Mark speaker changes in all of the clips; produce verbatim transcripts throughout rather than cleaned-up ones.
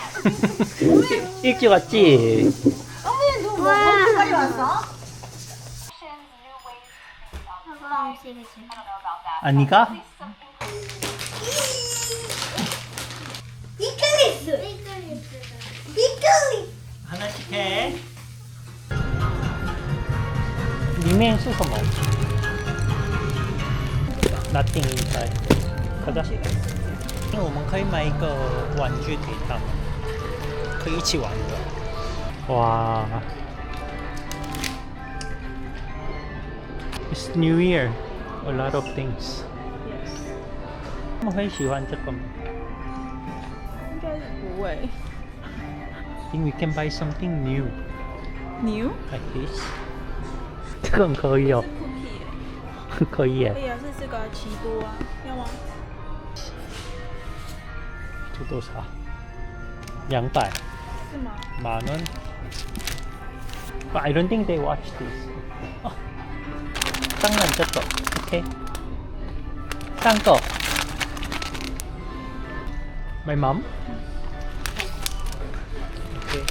Speaker 1: 일찍 왔지?
Speaker 2: 어머니 너 뭐, 언제까지 왔어?
Speaker 3: 사과 음식이지.
Speaker 1: 아니가?
Speaker 2: 이클리스.
Speaker 3: 피클리스다.
Speaker 2: 이클리스.
Speaker 1: 하나씩 해. 리메인 씻어 먹어. Nothing inside. 가자. 因为我们可以买一个玩具给他们，可以一起玩的。哇 ！It's New Year, a lot of things. 他们会喜欢这个吗？
Speaker 4: 应该是不会。
Speaker 1: I think we can buy something new
Speaker 4: New？
Speaker 1: like this. 这个很可以哦，
Speaker 4: Cookie
Speaker 1: 可以耶
Speaker 4: 可。以啊，是这个奇多啊，要吗？
Speaker 1: 这多少？两百，
Speaker 4: 是吗？
Speaker 1: 만 원. But I don't think they watch this. 어, 当然这个 OK. 三个 My mom? OK.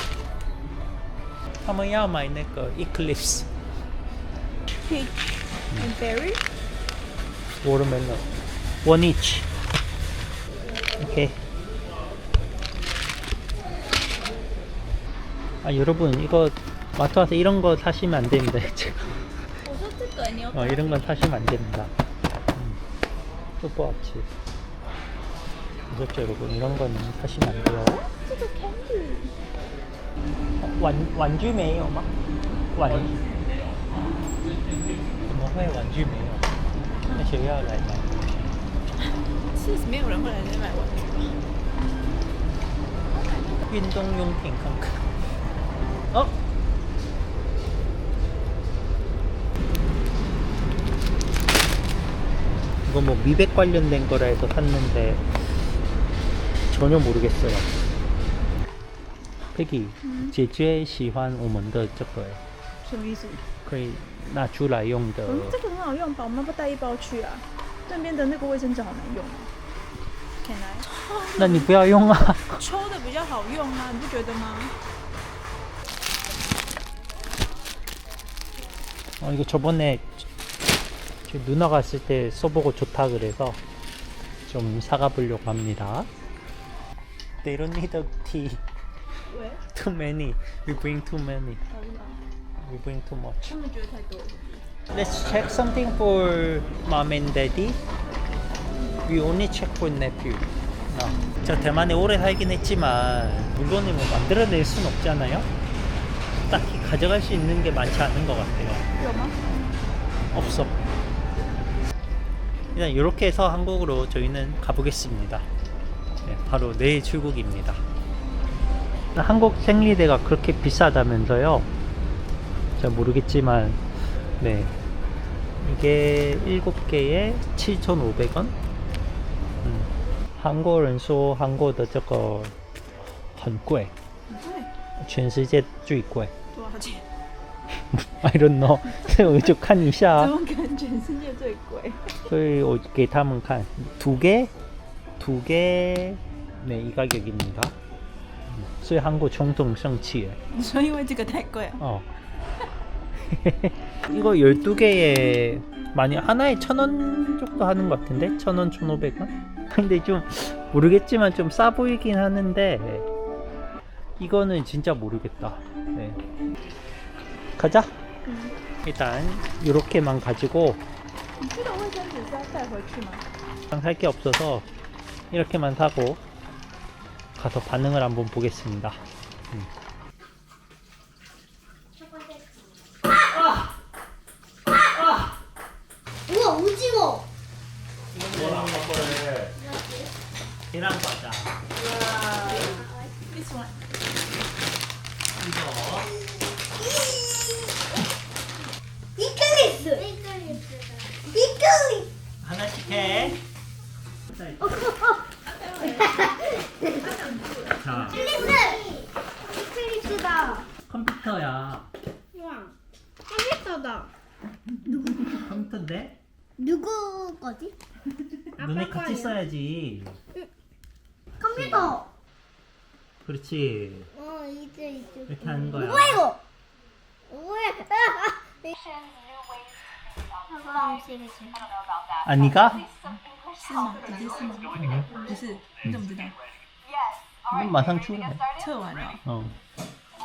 Speaker 1: 他们要买那个 Eclipse
Speaker 4: Peach and berry？
Speaker 1: watermelon. One each. OK. 아 여러분 이거 마트 와서 이런 거 사시면 안 됩니다.
Speaker 4: 我说这个你有
Speaker 1: 어, 이런 건 사시면 안 됩니다. 음. 또 뭐없지 무섭죠 여러분? 이런 건 사시면 안 돼요.
Speaker 4: 这个 candy。
Speaker 1: 어, 완, 완주 메요吗? 완. 怎么会완주没有? 那学校来买。
Speaker 4: 是没有人会来这里买玩具吧？
Speaker 1: 运动用品看看。어? 이거 뭐 미백 관련된 거라 해서 샀는데 전혀 모르겠어요. Peggy, 姐姐喜欢我们的这个
Speaker 4: 什么意思？
Speaker 1: 可以拿出来用的。
Speaker 4: 嗯，这个很好用吧？我们要不要带一包去啊？那边的那个卫生纸好难用哦。Can I？
Speaker 1: 那你不要用啊。
Speaker 4: 抽的比较好用啊，你不觉得吗？
Speaker 1: 어, 이거 저번에 저 누나 갔을 때 써보고 좋다 그래서 좀 사가 보려고 합니다. They don't need a tea.
Speaker 4: 喂，
Speaker 1: Too many. We bring too many.
Speaker 4: 好不好？
Speaker 1: We bring too much.
Speaker 4: 他们觉得太多了。
Speaker 1: Let's check something for mom and daddy. We only check for nephew. No. 제가 대만에 오래 살긴 했지만 물건을 뭐 만들어낼 순 없잖아요. 딱히 가져갈 수 있는 게 많지 않은 것 같아요.
Speaker 4: 有吗？
Speaker 1: 없어. 일단 이렇게 해서 한국으로 저희는 가보겠습니다. 네, 바로 내일 출국입니다. 한국 생리대가 그렇게 비싸다면서요? 잘 모르겠지만 네 이게 일곱 개에 칠천오백 원? 음. 韩国人说韩国的这个很贵，
Speaker 4: 对，
Speaker 1: 全世界最贵。
Speaker 4: 多少钱？
Speaker 1: I don't know. 所以我就看一下
Speaker 4: 怎么可能全世界最贵？
Speaker 1: 所以我给他们看두 개, 두 개, 네, 이 가격입니다. 所以한국 총통 성취해.
Speaker 4: 你说因为这个太贵啊？
Speaker 1: 어. 이거 열두 개에 많이 하나에 천 원 정도 하는 것 같은데? 천 원, 천오백 원? 근데 좀 모르겠지만 좀 싸 보이긴 하는데 이거는 진짜 모르겠다. 네. 가자.
Speaker 4: 음.
Speaker 1: 일단 이렇게만 가지고
Speaker 4: 你这个卫生纸是要带回去吗？
Speaker 1: 살 게 없어서 이렇게만 사고 가서 반응을 한번 보겠습니다. 음.
Speaker 2: 우와 오징어.
Speaker 1: 계란 과자.
Speaker 4: This one。
Speaker 1: 이거
Speaker 2: 이클리스.
Speaker 3: 피클리스다.
Speaker 2: 이클리스.
Speaker 1: 하나씩 해. 자,
Speaker 2: 이클리스다.
Speaker 1: 컴퓨터야.
Speaker 2: 우와. 컴퓨터다.
Speaker 1: 컴퓨터인데?
Speaker 2: 누구 거지?
Speaker 1: 너네
Speaker 2: 아빠
Speaker 1: 같이
Speaker 2: 거예요.
Speaker 1: 써야지.
Speaker 2: 컴퓨터.
Speaker 1: 그렇지.
Speaker 2: 어, 이제 이제.
Speaker 1: 이렇게 하는 거야.
Speaker 2: 뭐야 이거? 뭐야?
Speaker 3: 사과 음식이 제일
Speaker 1: 아니가?
Speaker 4: 是吗？姐姐是吗？不是，你怎么知道？
Speaker 1: 이건 마상 출해.
Speaker 4: 测完了。
Speaker 1: 어.